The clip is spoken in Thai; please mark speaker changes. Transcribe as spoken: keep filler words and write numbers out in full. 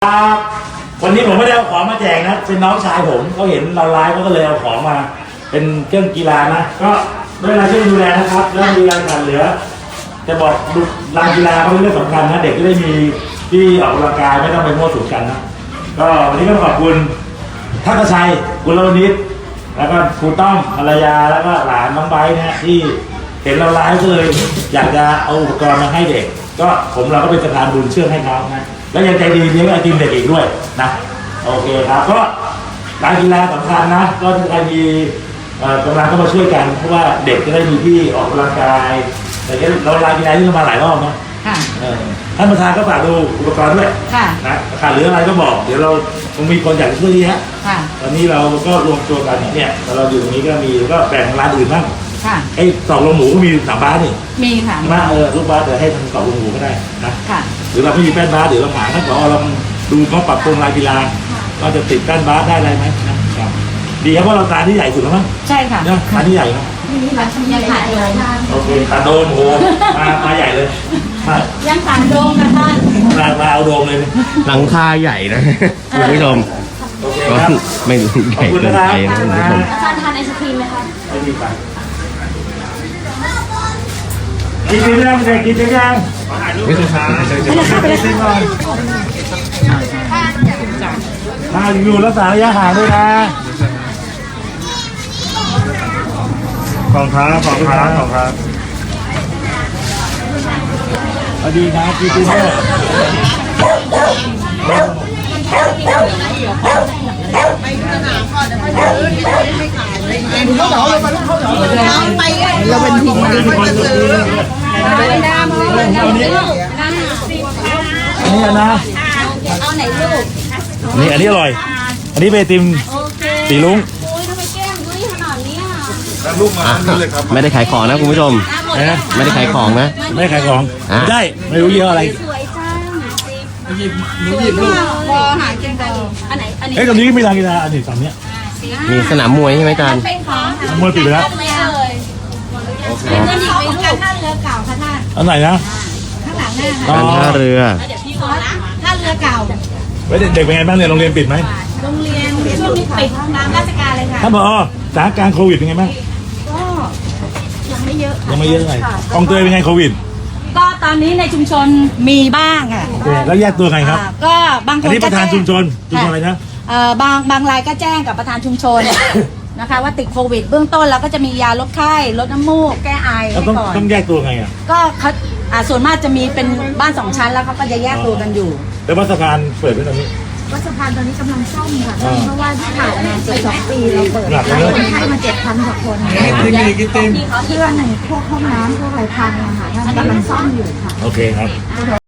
Speaker 1: ครับวันนี้ผมไม่ได้เอาของมาแจกนะเป็นน้องชายผมเขาเห็นเราไลฟ์เขาก็เลยเอาของมาเป็นเครื่องกีฬานะก็ด้วยการช่วยดูแลนะครับแล้วมีการขาดเหลือจะบอกดูลานกีฬาเขาเป็นเรื่องสำคัญนะเด็กจะได้มีที่ออกกำลังกายไม่ต้องไปมั่วสุมกันนะก็วันนี้ก็ขอบคุณทักษชัยกุลวณิชแล้วก็ครูต้อมภรรยาแล้วก็หลานน้องไบร์ทนะที่เห็นเราไลฟ์ก็เลยอยากจะเอาอุปกรณ์มาให้เด็กก็ผมเราก็เป็นสะพานบุญเชื่อให้เขานะแล้วยังใจดีเลี้ยงไอติมเด็กอีกด้วยนะโอเคครับก็การกีฬาสำคัญนะก็ใครมีกำลังก็มาช่วยกันเพราะว่าเด็กจะได้มีที่ออกกำลังกายแต่เราลากีฬาที่มาหลายรอบเนาะท่านประธานก็ฝากดูอุปกรณ์ด้วยนะขาดเหลืออะไรก็บอกเดี๋ยวเราคงมีคนอยากช่วยเยอะตอนนี้เราก็รวมตัวกันเนี่ยเราอยู่ตรงนี้ก็มีก็แบ่งร้านอื่นบ้างไอ้ตอกลงหมูก็มีสามบาทนี่
Speaker 2: มีค่ะ
Speaker 1: มาเออลูกบาสเดี๋ยวให้ทางตอกลงหมูก็ได้นะหรือเราไม่มีแป้นบาสเดี๋ยวเราหาท่านผอเราดูเขาปรับปรุงลานกีฬาว่าจะติดแป้นบาสได้อะไรไหมนะครับดีครับเพราะเราตาที่ใหญ่สุดแล้วมั้ง
Speaker 2: ใช่ค่ะ
Speaker 1: เนี่ยตาที่ใหญ่ครับ
Speaker 2: ยังขาดโดม
Speaker 1: โอเคขาดโดมโหมามาใหญ่เลย
Speaker 2: ยังขาดโดมนะท่าน
Speaker 1: มามาเอาโดมเลย
Speaker 3: หลังคาใหญ่นะคุณผู้ชมก็ไม่ใหญ่เกินไปนะคุณผู้ชม
Speaker 2: อาจารย์ทานไอศครีมไหมคะ
Speaker 1: ไม่มีไปกินยังเด็กกินยังไม่ต้องช้าไปเลยสิก่อนถ้าอยู่รักษาระยะห่างด้วยนะของค้าของค้าของค้าสวัสดีครับพี่ตุ้มเนี่ย
Speaker 4: เขาเหนาเลยไปลูกเขาเหนาเลยไปเราเป็นทีมเขาจะซื้อ
Speaker 1: อันนี้นะ
Speaker 2: เอาไหนลูก
Speaker 1: นี่อันนี้อร่อยอันนี้เบติมสีลุง
Speaker 3: ไม่ได้ขายของนะคุณผู้ชมไม่ได้ขายของนะ
Speaker 1: ไม่ขายของได้ไม่รู้เยอะอะไร
Speaker 2: สวยจังหยิบหนูหยิบลูกพอหากินได้อันไหนอันนี้
Speaker 1: เฮ้ยตรงนี้ก็มีลานกีฬาอันนี้ฝั่งเนี้ย
Speaker 3: มีสนามมวยใช่ไหมอาจารย์
Speaker 1: มวยปิดไปแล้ว
Speaker 2: เป็นเงินอีกเป็นการท่าเรือเก่าค่ะท่าน
Speaker 1: อันไหนนะ
Speaker 2: ข้างหลังหน้า
Speaker 3: การท่าเรือ
Speaker 2: เดี๋ยวพี่ขอนะท่าเรือเก่า
Speaker 1: เฮ้ยเด็กเป็นไงบ้างเนี่ยโรงเรียนปิดไหม
Speaker 2: โรงเรียนช่วงนี้ปิดตามราชการเลยค่ะ
Speaker 1: ท่านผอสถานการณ์โควิดเป็นไงบ้าง
Speaker 2: ก็ยังไม่เยอะ
Speaker 1: ยังไม่เยอะไงกองเตยเป็นไงโควิด
Speaker 2: ก็ตอนนี้ในชุมชนมีบ้างอ่ะ
Speaker 1: แล้วแยกตัวไงครับ
Speaker 2: ก็บางคน
Speaker 1: อันนี้ประธานชุมชนชุมชนอะไรนะ
Speaker 2: เอ่อบางบางรายก็แจ้งกับประธานชุมชนนะคะว่าติดโควิดเบื้องต้นเราก็จะมียาลดไข้ลดน้ำมูกแก้ไอให้
Speaker 1: ก่
Speaker 2: อน
Speaker 1: ต้องแยกตัวไงอ่ะ
Speaker 2: ก็เขาส่วนมากจะมีเป็นบ้านสองชั้นแล้วเขาก็จะแยกตัวกันอยู่
Speaker 1: แต่ว่าสะพานเปิดไว้ตอนนี้
Speaker 2: วัดสะพานตอนนี้กำลังซ่อมค่ะเพราะว่าที่ผ่านมาเจ็ดสองปีเราเปิดแล้วคนไข้มาเจ็ดพันกว่าคนเครื่องพวกห้องน้ำพวกอะไรพังนะคะท่านกำลังซ่อมอยู่ค่ะ
Speaker 1: โอเคครับ